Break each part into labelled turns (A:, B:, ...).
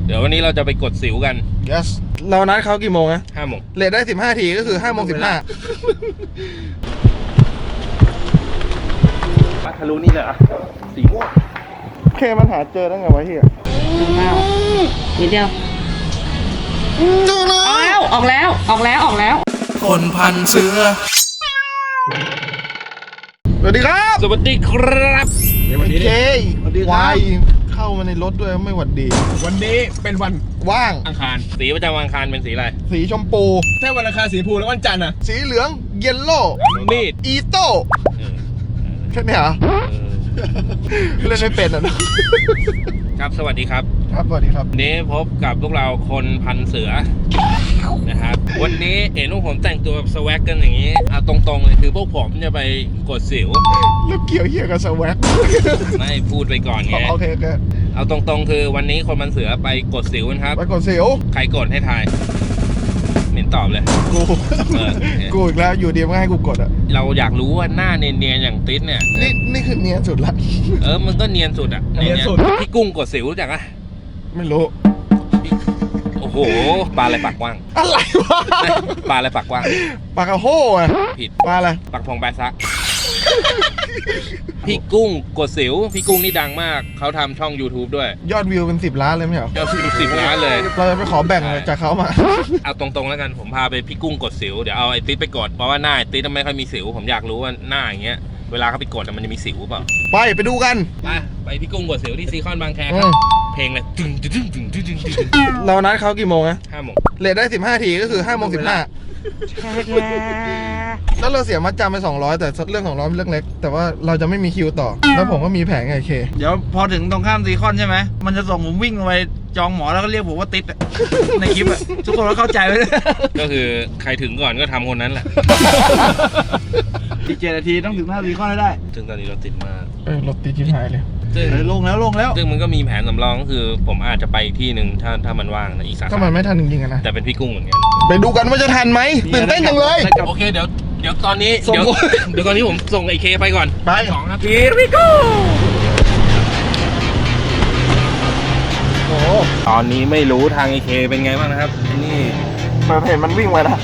A: เดี๋ยววันนี้เราจะไปกดสิวกัน
B: yes เรานัดเขากี่โมงนะ
A: 5 โมง
B: เลทได้15 ทีก็คือ5 โมง 15
A: ทะลุนี่เลยอ่ะ4 โมง
B: เคมันหาเจอได้ไงวะเฮีย
C: นิดเดียวออกแล้ว
B: คนพันเสือสวัสดีครับ
A: สวัสดีครับ
B: เจ๊วายเข้ามาในรถด้วยไม่หวัดดี
D: วันนี้เป็นวัน
B: ว่าง
D: อังคาร
A: สีประจำวันอังคารเป็นสีอะไร
B: สีชมพู
D: ถ้าวันอังคารสีชมพูแล้ววันจันทร์อ่ะ
B: สีเหลืองเยลโล่
A: มีด
B: อีโต้แค่นี้เหรอเล่นไม่เป็นอ่ะ
A: ครับสวัสดีครับ
B: ครับสวัสดีครับ
A: วันนี้พบกับพวกเราคนพันเสือนะครับวันนี้เห็นพวกผมแต่งตัวแบบสวักกันอย่างนี้เอาตรงๆเลยคือพวกผมจะไปกดสิว
B: แล้วเกี่ยวเหี้ยกับสวัก
A: ไม่พูดไปก่อนไง
B: โอเค
A: เอาตรงๆคือวันนี้คนพันเสือไปกดสิวนะครับ
B: ไปกดสิว
A: ใครกดให้ทายเหม็นตอบเลย
B: กู กูอีกแล้วอยู่ดีไม่ให้กูกดอ่ะ
A: เราอยากรู้ว่าหน้าเนียนๆอย่างติ๊ดเนี่ย
B: นี่คือเนียนสุดละ
A: มันก็เนียนสุดอ่ะ
D: เนียนสุด
A: พี่กุ้งกดสิวรู้จักอ่ะ
B: ไม่รู้
A: โอ้โหปลาอะไรปากกว้าง
B: อะไรวะ
A: ปลาอะไรปากกว้าง
B: ปลากระโห้อะ
A: ผิด
B: ปลาอะไร
A: ปากพองแบซักพี่กุ้งกดสิวพี่กุ้งนี่ดังมากเขาทำช่อง YouTube ด้วย
B: ยอดวิวเป็น10 ล้านเลยไม่ใช่เหรอย
A: อดวิว10 ล้านเลย
B: เราจะไปขอแบ่งจากเขามา
A: เอาตรงๆแล้วกันผมพาไปพี่กุ้งกดสิวเดี๋ยวเอาไอ้ติ๊ดไปกดเพราะว่าหน้าไอ้ติ๊ดไม่ค่อยมีสิวผมอยากรู้ว่าหน้าอย่างเงี้ยเวลาเขาไปกดมันจะมีสิวเปล่า
B: ไปดูกัน
A: ไปพี่กุ้งกดสิวที่ซีคอนบางแคค
B: อื
A: รับ
B: ม
A: เพลงเลยตึงตึงตึงตึงตึงตึงตึง
B: เรานัดเขากี่โมงนะ
A: 5 โมง
B: เลทได้15 ทีก็คือ5 โมง 15แล้วเราเสียมัดจำไป200แต่เรื่อง200เป็นเรื่องเล็ก แต่ว่าเราจะไม่มีคิวต่อ แล้วผมก็มีแผงไงเค
E: เดี๋ยวพอถึงตรงข้ามซีคอนใช่ไหม มันจะส่งผมวิ่งลงไปจองหมอแล้วก็เรียกผมว่าติ๊ดอะ ในคลิปอะทุกคนก็เข้าใจไว้เลย
A: ก็คือใครถึงก่อนก็ทำคนนั้นแหละ
E: อีก7 นาทีต้องถึงหน้าซีคอนให้ได้
A: ซึ่งตอนนี้เราติดมาก
B: รถติดชิบหายเลย
A: ซึ่ง
E: ลงแล้ว
A: ซึ่งมันก็มีแผนสำรองก็คือผมอาจจะไปอีกที่หนึ่งถ้ามันว่างนะอีกสา
B: ถ้า
A: ขา
B: มันไม่ทันจริงๆอะนะ
A: แต่เป็นพี่กุ้งเหมือนกัน
B: ไปดูกันว่าจะทันไหมตื่นเต้นจังเลย
A: โอเคเดี๋ยวตอนนี้
B: ส่ง
A: เดี๋ยวตอนนี้ผมส่งไอเคไปก่อน
B: ไป
A: 2 ครับพี่พี่กุ้งโอ้ตอนนี้ไม่รู้ทางไอเคเป็นไงบ้างนะครับนี่
B: มาเห็นมันวิ่งมานะ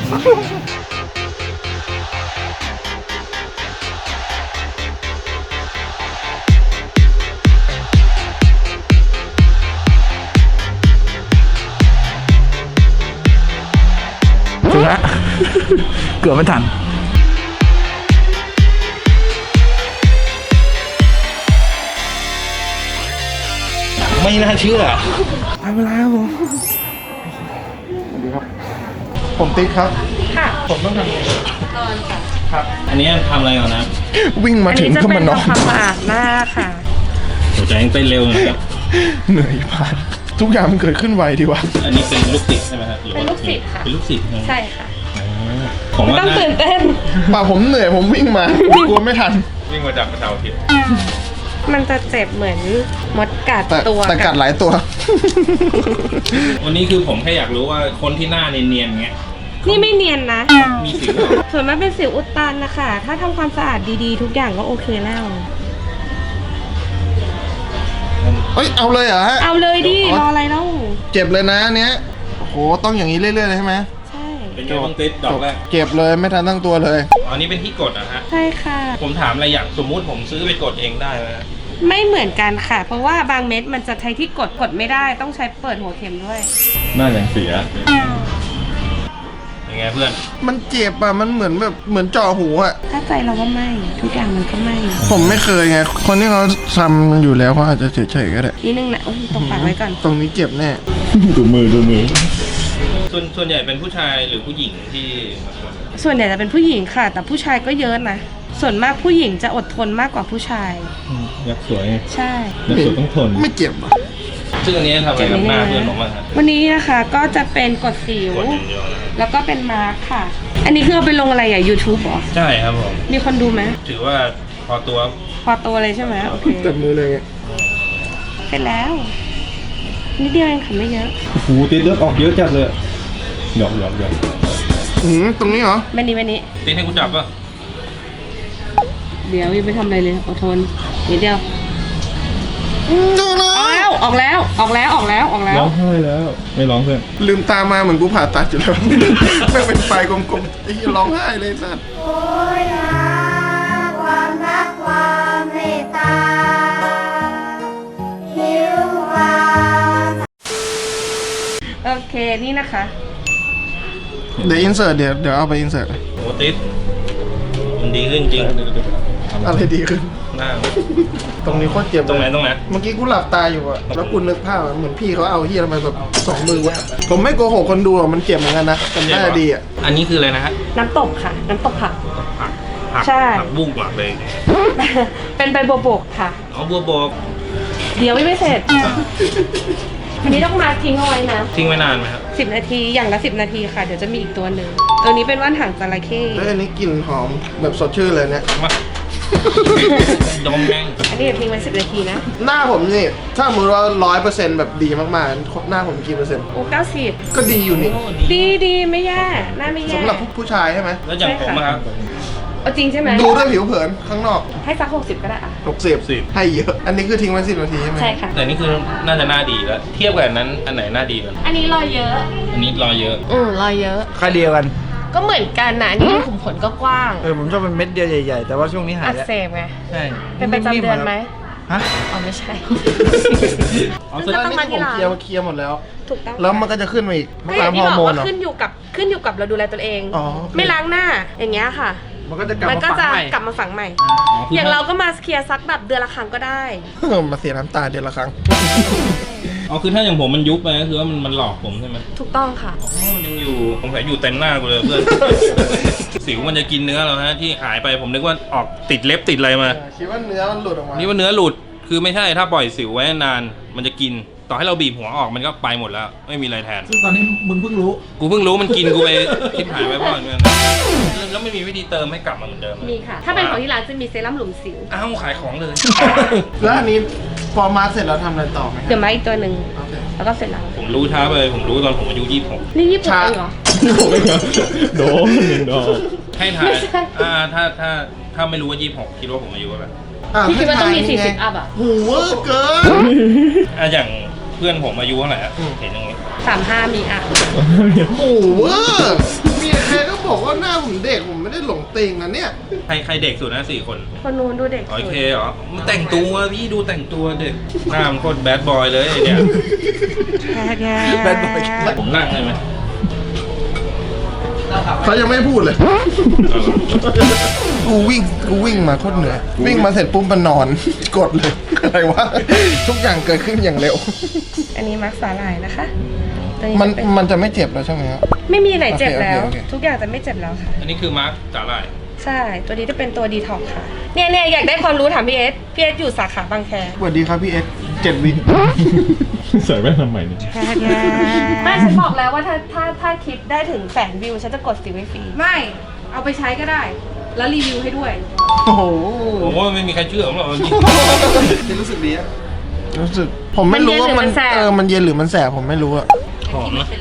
B: ถึงละเกือบไม่ทัน
A: ไม่น่าเชื่อ
B: ไปเวลาครับผมสวัสดีครับ ผมติ๊กครับ
C: ค่ะ
B: ผมต้องทำไง
C: นอนค่ะ
B: ครับ
A: อันนี้ทำอะไรก่อนนะ
B: วิ่งมาถึงก็มานอน
C: ทำความสะอาดหน้าค่ะ
A: หัวใจยังเต้นเร็วนะครับ
B: เหนื่อยผ่านทุกอย่างมันเกิดขึ้นไวดีวะ
A: อันนี้เป็นลูกศิษย์ใช่ไหมครับหรือว่า
C: เป็นลูกศิษย์ค่ะ
A: เป็นลูกศิษย์
C: ใช่ค่ะ
A: ผม
C: ไม่
A: ว่า
C: ต้องตื่นเต้น
B: ป่าผมเหนื่อยผมวิ่งมา กลัวไม่ทัน
A: วิ่งมาจากเสาร์อาทิตย์
C: มันจะเจ็บเหมือนมดกัด
B: แต่
C: ตัว
B: แต่กัดหลายตัว
A: วันนี้คือผมแค่อยากรู้ว่าคนที่หน้าเนียนๆเงี้ย
C: นี่ไม่เนียนนะ
A: มีสิวเหรอ
C: ส่วนมากเป็นสิวอุดตันนะคะ ถ้าทำความสะอาดดีๆ ทุกอย่างก็โอเคแล้ว
B: เอ้ยเอาเลยเหรอฮะ
C: เอาเลยดิ รออะไรเล่า
B: เจ็บเลยนะเนี้ยโอ้โหต้องอย่างนี้เรื่อยๆเลยใช่ไหม
C: ใช่
A: เป็นไงบ้างติ๊ดดอกแรก
B: เจ็บเลยไม่ทันตั้งตัวเลย
A: อันนี้เป็นที่กดนะฮะ
C: ใช่ค่ะ
A: ผมถามอะไรอย่างสมมุติผมซื้อไปกดเองได้ไหม
C: ไม่เหมือนกันค่ะ เพราะว่าบางเม็ดมันจะใช้ที่กดไม่ได้ ต้องใช้เปิดหัวเข็มด้วย
A: น่าอย่างเสียยังไงเพื่อน
B: มันเจ็บอ่ะมันเหมือนเจาะหูอ่ะ
C: ถ้าใจเราว่าไม่ ทุกอย่างมันก็ไม่
B: ผมไม่เคยไงคนที่เขาทำอยู่แล้วเขาอาจจะเฉยๆก็ได้
C: นิดนึงนะอุ๊ยตรงปากไว้ก่อน
B: ตรงนี้เจ็บแน่
A: ดูมือส่วนใหญ่เป็นผู้ชายหรือผู้หญิงที่มาทำ
C: ส่วนใหญ่จะเป็นผู้หญิงค่ะ แต่ผู้ชายก็เยอะนะ ส่วนมากผู้หญิงจะอดทนมากกว่าผู้ชาย
A: ยักษ์สวย
C: ใช่
A: ยักษ์สวยต้องทน
B: ไม่เจ็บอ่ะ
A: ซึ่งอันนี้ทำอะไรกับหน้าเพื่อนผมบ้างครับ
C: วันนี้นะคะก็จะเป็นกดสิว
A: กดอย่างเดียวนะ
C: แล้วก็เป็นมาร์คค่ะ อันนี้คือเอาไปลงอะไรอ่ะ YouTube เหรอ
A: ใช่ครับผม
C: มีคนดูไหม
A: ถือว่าพอตัว
C: พอตัวเลยใช่ไหมโอเค
B: จับมือเลยไง
C: เสร็จแล้ว นิดเดียวเองค่ะไม่เยอะ
D: โอ้โหติดเลือดออกเยอะจัดเลยหยอก
B: ตรงนี้เหรอ
C: ไม่นี้ไม่นี้
A: ติ๊ดให้กูจับป่ะ
C: เดี๋ยวยังไม่ทำอะไรเลยอดทนนิดเดียวออกแล้ว
D: ร้องไห้แล้ว ไม่ร้องเพื่อน
B: ลืมตามาเหมือนกูผ่าตัดอยู่แล้ว ไม่เป็นไฟกลมๆไอ้เหี้ยร้องไห้เลยสัตว์
F: โอยหาความรักความเมตตาหิวความ
C: โอเคนี่นะคะ
B: เดี๋ยวอินเสิร์ตเดี๋ยวเอาไปอินเสิร์ต
A: โอ้ติดมันดีขึ้นจริง
B: อะไรดีขึ้น
A: หน้า
B: ตรงนี้โคตรเจ็บ
A: ตรงไหน
B: เลย
A: ตรงไหน
B: เมื่อกี้กูหลับตาอยู่อะแล้วกูนึกภาพอะเหมือนพี่เขาเอาเฮียมาแบบ2 มือวะผมไม่โกหกคนดูอะมันเจ็บเหมือนกันนะแต่น่าจะดีอะ
A: อันนี้คืออะไรนะฮะ
C: น้ำตกค่ะ น้ำตกผัก
A: ผัก
C: ใช่
A: ผักบุ้งกว่าเลย
C: เป็นใบบัวบกค่ะ
A: เอาบัวบก
C: เดี๋ยวไม่เสร็จ อันนี้ต้องมาทิ้งเอาไว้นะ
A: ทิ้งไว้นานไหมครับ
C: 10 นาทีอย่างละ10 นาทีค่ะ เดี๋ยวจะมีอีกตัวหนึ่งตัวนี้เป็นว่านหางจระเข้
B: แล้วอันนี้กลิ่นหอมแบบสดชื่นเลยเนี่ย
A: มาดมแม่ง
C: อันนี้เดี๋ยวทิ้งไว้10 นาทีนะ
B: หน้าผมนี่ถ้าสมมติว่า100%แบบดีมากๆหน้าผมกี่เปอร์เซ็นต์
C: โอ้90
B: ก็ดีอยู่นี่
C: ดีไม่แย่หน้าไม่แย่
B: สำหรับผู้ชายใช่ไหม
A: แล้วอย่างผมอะครับ
C: เอาจริงใช่ไหม
B: ดูด้วยผิวเผินข้างนอก
C: ให้สัก60ก็ได้อะ
B: 60ให้เยอะ อันนี้คือทิ้งไว้10 นาทีใช่ไหม
C: ใช่ค่ะ
A: แต่นี่คือน่าจะหน้าดีแล้ว เทียบกับอันนั้นอันไหนหน้าดีกัน
C: อันนี้รอยเยอะ
A: อันนี้รอเยอะ
C: รอยเยอะ
E: ค่าเดียวกัน
C: ก็เหมือนกันนะอันนี้ขุมขนก็กว้าง
E: ผมชอบเป็นเม็ดเดียวใหญ่ๆ แต่ว่าช่วงนี้หาย
C: อัก
E: แล้ว
C: เสบไง
E: ใช่
C: เป็นประจำเดือนไหม
E: ฮะ
C: อ๋อไม่ใช่
B: อ๋อแสดงว่านี่คือผมเคลียร์หมดแล้ว
C: ถูกต้อง
B: แล้วมันก็จะขึ้นมาอีก
C: ก็อย่า
B: ตาม
C: ง
B: ฮ
C: ที่
B: อร์
C: บ
B: โม
C: อก
B: น
C: ว่า
B: เหรอ
C: ขึ้นอยู่กับเราดูแลตัวเอง
B: อ๋อโอเค
C: ไม่ล้างหน้าอย่างเงี้ยค่ะ
E: มันก็จะกลับ
C: มัน
E: มา
C: ก็
E: ฝัง
C: จะ
E: ใหม่
C: กลับมาฝังใหม่
A: อ๋อคือ
C: อย่างเราก็มาเคลียร์ซักแบบเดือนละครั้งก็ได้
B: มาเสียน้ำตาเดือนละครั้ง
A: อ๋อคือถ้าอย่างผมมันยุบไปก็คือว่ามันหลอกผมใช่ไหม
C: ถูกต้องค่ะ
A: อ๋อมันยังอยู่ผมใส่อยู่เต็มหน้ากูเลยเพื่อน สิวมันจะกินเนื้อเราฮะที่หายไปผมนึกว่าออกติดเล็บติดอะไรมา
B: คิดว่าเนื้อมันหลุดออกมา
A: นี่ว่าเนื้อหลุดคือไม่ใช่ถ้าปล่อยสิวไว้นานมันจะกินต่อให้เราบีบหัวออกมันก็ไปหมดแล้ว ไม่มีอะไรแทน
E: ซึ่งตอนนี้มึงเพิ่งรู้
A: กูเพิ่งรู้มันกินกูไปคิดหายไปพ่อเนี่ยแล้วไม่มีวิธีเติมให้กลับมาเหมือนเดิม
C: มีค่ะ ถ้าเป็นของที่ร้านจะมีเซรั่มหลุมสิว
A: อ้าวขายของเลย
B: แล้วอันนี้พอมาเสร็จแล้วทำอะไรต่อไหมค
C: เดี๋
B: รั
C: ยวมาอีกตัวหนึ่ง
B: โอเค
C: แล้วก็เสร็จแล้ว
A: ผมรู้ช้าไปผมรู้ตอนผมอายุ26
C: นี่ญี่ปุ่น
B: ช้า
C: เองเหรอ
D: โดน1 ดอก
A: ให้ถ่าย
C: ไม่ใช่
A: ถ้าไม่รู้ว่า26คิดว่าผมอายุเท่าไหร่
B: อ่ะ
C: พี่คิดว่าต้องมี
B: ให้ทยไ
C: 40 อัพอ่ะ
B: โหูเวอร์เกิน
A: อย่างเพื่อนผมอายุเท่าไหร่อะ
B: อืม
A: เห็นอย่างงี้
C: 35 มีอ่ะ
B: โอ้โหเวอร์มีใครก็บอกว่าหน้าผมเด็กผมไม่ได้หลงติงนะเนี่ย
A: ใครเด็กสุดนะ4 คน
C: คนนู้นดูเด็ก
A: โอเคเหรอมันแต่งตัวพี่ดูแต่งตัวเด็กหน้ามันโคตรแบดบอยเลยไอ้เนี่ย
B: แบดบอย
A: ผมนั่งได้ไหม
B: เขายังไม่พูดเลย กูวิ่งมาโคตรเหนื่อย วิ่งมาเสร็จปุ๊บมันนอน กดเลย อะไรวะ ทุกอย่างเกิดขึ้นอย่างเร็ว
C: อันนี้มักสาหร่ายนะคะตัวนี้
B: มัน
C: จะเป็น
B: มันจะไม่เจ็บแล้วใช่ไหมครับ
C: ไม่มีไหนเจ็บ
B: โอเค
C: แล้ว
B: โอเค
C: ทุกอย่างจะไม่เจ็บแล้วค่ะ
A: อันนี้คือมาร์คสาหร่าย
C: ใช่ ตัวนี้จะเป็นตัวดีท็อกค่ะ เนี่ยอยากได้ความรู้ถามพี่เอสอยู่สาขาบางแค
B: สวัสดีครับพี่เอส7 วิ
D: ใส่แว่นทำไมเนี่ย
C: ไม่ฉันบอกแล้วว่าถ้าคลิปได้ถึง100,000 วิวฉันจะกดสิวให้ฟรี ไม่ เอาไปใช้ก็ได้ แล้วรีวิวให้ด้วย
B: โอ้โห
A: ผมว่าไม่มีใครเชื่อผมหรอกจริง
B: รู้สึกดีอะรู้สึก ผมไม่รู้ว่ามัน
C: มันเย็นหรือมันแสบ
B: มันเย็นหรือมันแสบผมไม่รู้อะ
A: หอมนะ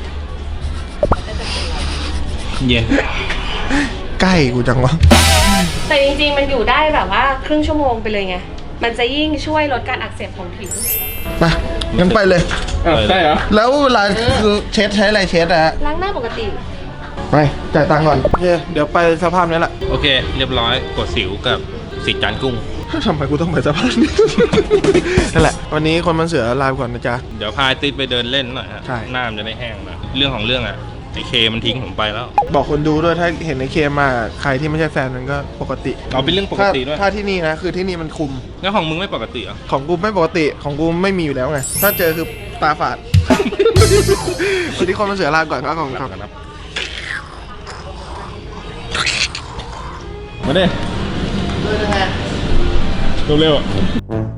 A: เย็น
B: ใกล้กูจังวะ
C: แต่จริงๆ มันอยู่ได้แบบว่าครึ่งชั่วโมงไปเลยไง มันจะยิ่งช่วยลดการอักเสบของผิว
B: ไปงั้นไปเลย
D: ใช่เหรอ
B: แล้วเวลาเช็ดใช้อะไรเช็ดอะฮะ
C: ล้างหน้าปกติ
B: ไปจ่ายตังค์ก่อนโอเคเดี๋ยวไปสภาพนี้แหละ
A: โอเค เรียบร้อยกดสิวกับสีจานกุ้ง
B: ทำไมกูต้องไปสภาพนี้ นั่นแหละ วันนี้คนมันเสือลาไปก่อนนะจ๊ะ
A: เดี๋ยวพาติดไปเดินเล่นหน่อยฮะ
B: ใช่
A: หน้ามันจะได้แห้งหนะเรื่องของเรื่องอะไอเคมันทิ้งผมไปแล้ว
B: บอกคนดูด้วยถ้าเห็นในเคมมาใครที่ไม่ใช่แฟนมันก็ปกติ
A: เอาเป็นเรื่องปกติด้วย
B: ถ้าที่นี่นะคือที่นี่มันคุม
A: แล้วของมึงไม่ปกติเหรอ
B: ของกูไม่ปกติของกูไม่มีอยู่แล้วไง ถ้าเจอคือตาฝาด วันนี้คนมันเสือลาก่อนครับของครับ
D: มาเด้เร็วๆอ่ะ